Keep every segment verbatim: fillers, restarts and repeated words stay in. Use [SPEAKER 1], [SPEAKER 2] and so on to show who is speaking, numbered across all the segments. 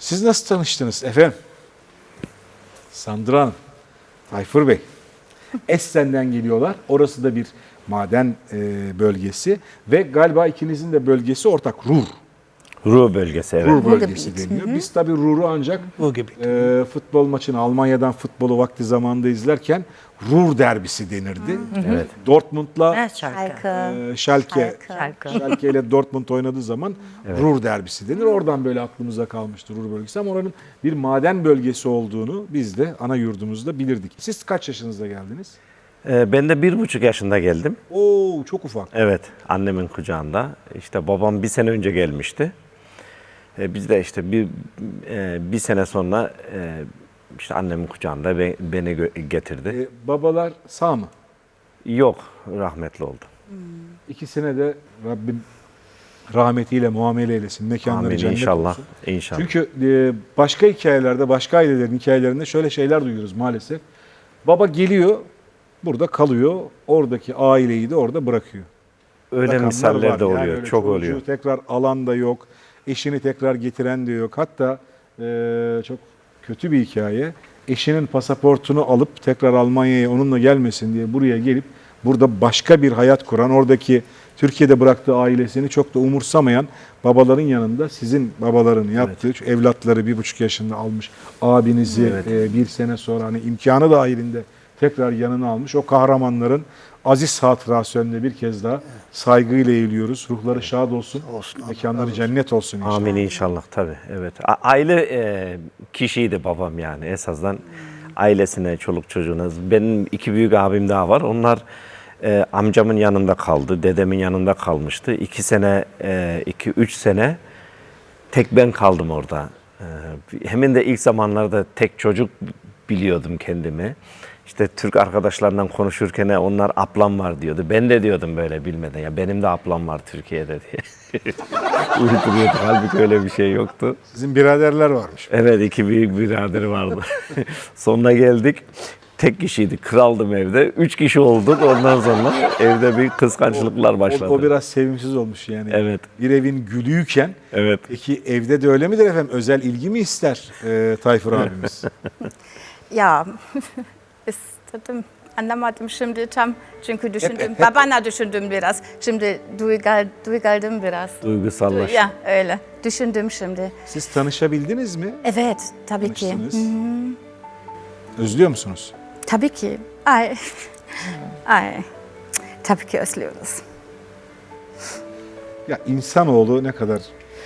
[SPEAKER 1] Siz nasıl tanıştınız efendim? Sandra Hanım, Tayfur Bey. Essen'den geliyorlar. Orası da bir maden e, bölgesi ve galiba ikinizin de bölgesi ortak, Ruhr.
[SPEAKER 2] Ruhr bölgesi, evet.
[SPEAKER 1] Ruhr bölgesi deniyor. Biz tabii Ruhr'u ancak e, futbol maçını Almanya'dan futbolu vakti zamanında izlerken Ruhr derbisi denirdi.
[SPEAKER 2] Evet.
[SPEAKER 1] Dortmund'la
[SPEAKER 3] Evet, Schalke.
[SPEAKER 1] e, Schalke,
[SPEAKER 3] Schalke.
[SPEAKER 1] Schalke ile Dortmund oynadığı zaman Ruhr derbisi denir. Oradan böyle aklımıza kalmıştı Ruhr bölgesi ama oranın bir maden bölgesi olduğunu biz de ana yurdumuzda bilirdik. Siz kaç yaşınızda geldiniz?
[SPEAKER 2] Ee, ben de bir buçuk yaşında geldim.
[SPEAKER 1] Oo, çok ufak.
[SPEAKER 2] Evet, annemin kucağında. İşte babam bir sene önce gelmişti. Ee, biz de işte bir e, bir sene sonra e, işte annemin kucağında be- beni gö- getirdi.
[SPEAKER 1] E, babalar sağ mı?
[SPEAKER 2] Yok, rahmetli oldu.
[SPEAKER 1] İkisine de Rabbim rahmetiyle muamele eylesin. Mekanları
[SPEAKER 2] Amin
[SPEAKER 1] cennet
[SPEAKER 2] inşallah.
[SPEAKER 1] olsun.
[SPEAKER 2] İnşallah.
[SPEAKER 1] Çünkü e, başka hikayelerde, başka ailelerin hikayelerinde şöyle şeyler duyuyoruz maalesef. Baba geliyor, burada kalıyor, oradaki aileyi de orada bırakıyor.
[SPEAKER 2] Öyle
[SPEAKER 1] Rakamlar
[SPEAKER 2] misaller
[SPEAKER 1] var.
[SPEAKER 2] de
[SPEAKER 1] Yani
[SPEAKER 2] oluyor,
[SPEAKER 1] öyle
[SPEAKER 2] çok
[SPEAKER 1] çocuğu
[SPEAKER 2] oluyor.
[SPEAKER 1] tekrar alan da yok, eşini tekrar getiren de yok. Hatta e, çok kötü bir hikaye. Eşinin pasaportunu alıp tekrar Almanya'ya onunla gelmesin diye buraya gelip burada başka bir hayat kuran, oradaki Türkiye'de bıraktığı ailesini çok da umursamayan babaların yanında sizin babaların yaptığı, şu evlatları bir buçuk yaşında almış abinizi
[SPEAKER 2] Evet.
[SPEAKER 1] e, bir sene sonra hani imkanı dahilinde tekrar yanına almış. O kahramanların aziz hatırası önünde bir kez daha saygıyla eğiliyoruz. Ruhları şad olsun,
[SPEAKER 4] Olsun,
[SPEAKER 1] mekanları cennet olsun inşallah.
[SPEAKER 2] Amin inşallah tabii. Evet. A- aile e, kişiydi babam yani esasdan ailesine, çoluk çocuğuna. Benim iki büyük abim daha var. Onlar e, amcamın yanında kaldı, dedemin yanında kalmıştı. İki sene, e, iki üç sene tek ben kaldım orada. E, hemen de ilk zamanlarda tek çocuk biliyordum kendimi. İşte Türk arkadaşlarından konuşurken onlar ablam var diyordu. Ben de diyordum böyle bilmeden ya benim de ablam var Türkiye'de diye. Uyduruyorduk. Halbuki öyle bir şey yoktu.
[SPEAKER 1] Sizin biraderler varmış.
[SPEAKER 2] Evet, iki büyük biraderi vardı. Sonra geldik. Tek kişiydik. Kraldım evde. Üç kişi olduk. Ondan sonra evde bir kıskançlıklar başladı.
[SPEAKER 1] O, o biraz sevimsiz olmuş yani.
[SPEAKER 2] Evet.
[SPEAKER 1] Bir evin gülüyken.
[SPEAKER 2] Evet.
[SPEAKER 1] Peki evde de öyle midir efendim? Özel ilgi mi ister e, Tayfur abimiz?
[SPEAKER 3] Ya, istedim. Anlamadım şimdi tam çünkü düşündüm. Babana düşündüm biraz. Şimdi duygal, duygaldım biraz.
[SPEAKER 2] Duygusallaştı.
[SPEAKER 3] Ya öyle. Düşündüm şimdi.
[SPEAKER 1] Siz tanışabildiniz mi?
[SPEAKER 3] Evet, tabii ki.
[SPEAKER 1] Tanıştınız. Özlüyor musunuz?
[SPEAKER 3] Tabii ki. Ay. Ay. Tabii ki özlüyoruz.
[SPEAKER 1] Ya insanoğlu ne kadar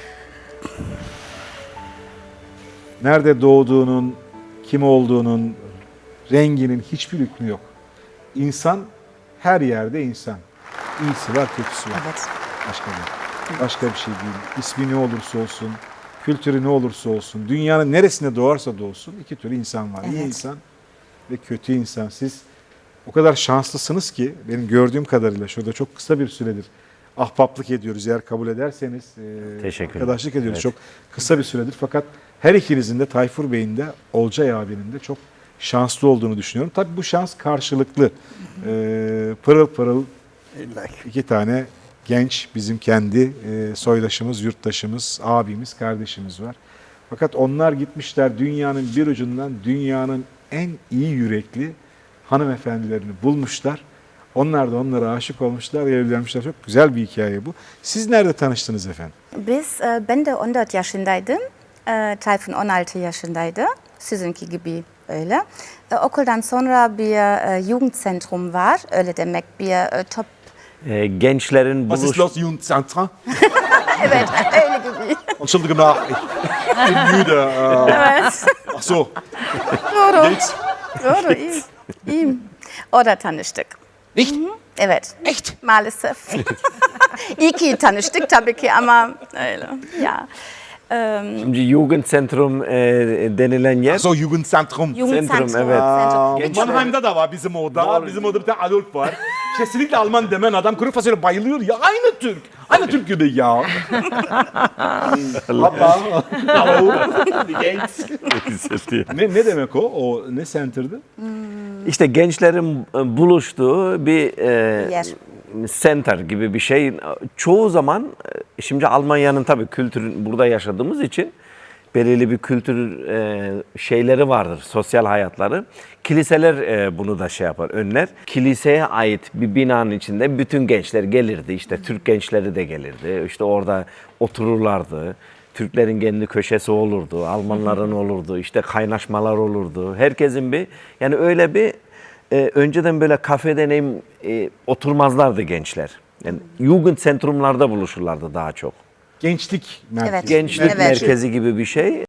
[SPEAKER 1] nerede doğduğunun, kim olduğunun, renginin hiçbir hükmü yok. İnsan her yerde insan. İyisi var, kötüsü var.
[SPEAKER 3] Evet.
[SPEAKER 1] Başka bir, başka bir şey değil. İsmi ne olursa olsun, kültürü ne olursa olsun, dünyanın neresinde doğarsa doğsun iki türlü insan var. İyi
[SPEAKER 3] Evet.
[SPEAKER 1] insan ve kötü insan. Siz o kadar şanslısınız ki benim gördüğüm kadarıyla şurada çok kısa bir süredir ahbaplık ediyoruz. Eğer kabul ederseniz e,
[SPEAKER 2] Teşekkür ederim.
[SPEAKER 1] arkadaşlık ediyoruz.
[SPEAKER 2] Evet.
[SPEAKER 1] Çok kısa bir süredir fakat her ikinizin de Tayfur Bey'in de Olcay abinin de çok şanslı olduğunu düşünüyorum. Tabii bu şans karşılıklı. E, pırıl pırıl
[SPEAKER 4] İlla ki.
[SPEAKER 1] iki tane genç bizim kendi e, soydaşımız, yurttaşımız, abimiz, kardeşimiz var. Fakat onlar gitmişler dünyanın bir ucundan dünyanın en iyi yürekli hanımefendilerini bulmuşlar. Onlar da onlara aşık olmuşlar, evlenmişler. Çok güzel bir hikaye bu. Siz nerede tanıştınız efendim?
[SPEAKER 3] Biz, e, ben de on dört yaşındaydım. E, Tayfun on altı yaşındaydı. Sizinki gibi öyle. E, okuldan sonra bir e, Jugendzentrum var. Öyle demek bir e, top.
[SPEAKER 2] Ee, gençlerin
[SPEAKER 1] Was
[SPEAKER 2] buluş...
[SPEAKER 1] ist los, Jugendzentrum?
[SPEAKER 3] Evet, öyle gibi.
[SPEAKER 1] Entschuldigung nach, ich bin müde. Äh,
[SPEAKER 3] Evet.
[SPEAKER 1] ach so,
[SPEAKER 3] Doğru.
[SPEAKER 1] geht's?
[SPEAKER 3] Doğru, iyi. İyi. Orada tanıştık.
[SPEAKER 1] Nicht?
[SPEAKER 3] Evet.
[SPEAKER 1] Echt?
[SPEAKER 3] Maalesef. İyi ki tanıştık tabii ki ama öyle. Ya. Ähm,
[SPEAKER 2] Şimdi Jugendzentrum e, denilen yer.
[SPEAKER 1] Ach so, Jugendzentrum.
[SPEAKER 3] Jugendzentrum.
[SPEAKER 2] Zentrum, evet.
[SPEAKER 3] Zentrum.
[SPEAKER 2] Gençler.
[SPEAKER 1] Mannheim'da da var bizim orada.
[SPEAKER 2] Doğru.
[SPEAKER 1] Bizim orada bir tane Adolf var. Kesinlikle Alman demen adam kuru fasulye bayılıyor ya. Aynı Türk. Aynı Türk gibi ya. Papa. Hallo. Wie geht's? ne, ne demek o? O ne center'dı?
[SPEAKER 2] İşte gençlerin e, buluştuğu bir e,
[SPEAKER 3] Yer.
[SPEAKER 2] center gibi bir şey. Çoğu zaman e, şimdi Almanya'nın tabii kültürün burada yaşadığımız için belirli bir kültür e, şeyleri vardır, sosyal hayatları. Kiliseler e, bunu da şey yapar, önler. Kiliseye ait bir binanın içinde bütün gençler gelirdi. İşte Türk gençleri de gelirdi. İşte orada otururlardı. Türklerin kendi köşesi olurdu, Almanların olurdu, işte kaynaşmalar olurdu. Herkesin bir, yani öyle bir e, önceden böyle kafede neyim e, oturmazlardı gençler. Yani Jugendzentrumlarda buluşurlardı daha çok.
[SPEAKER 1] Gençlik merkezi.
[SPEAKER 3] Evet.
[SPEAKER 2] Gençlik
[SPEAKER 3] Evet.
[SPEAKER 2] merkezi gibi bir şey.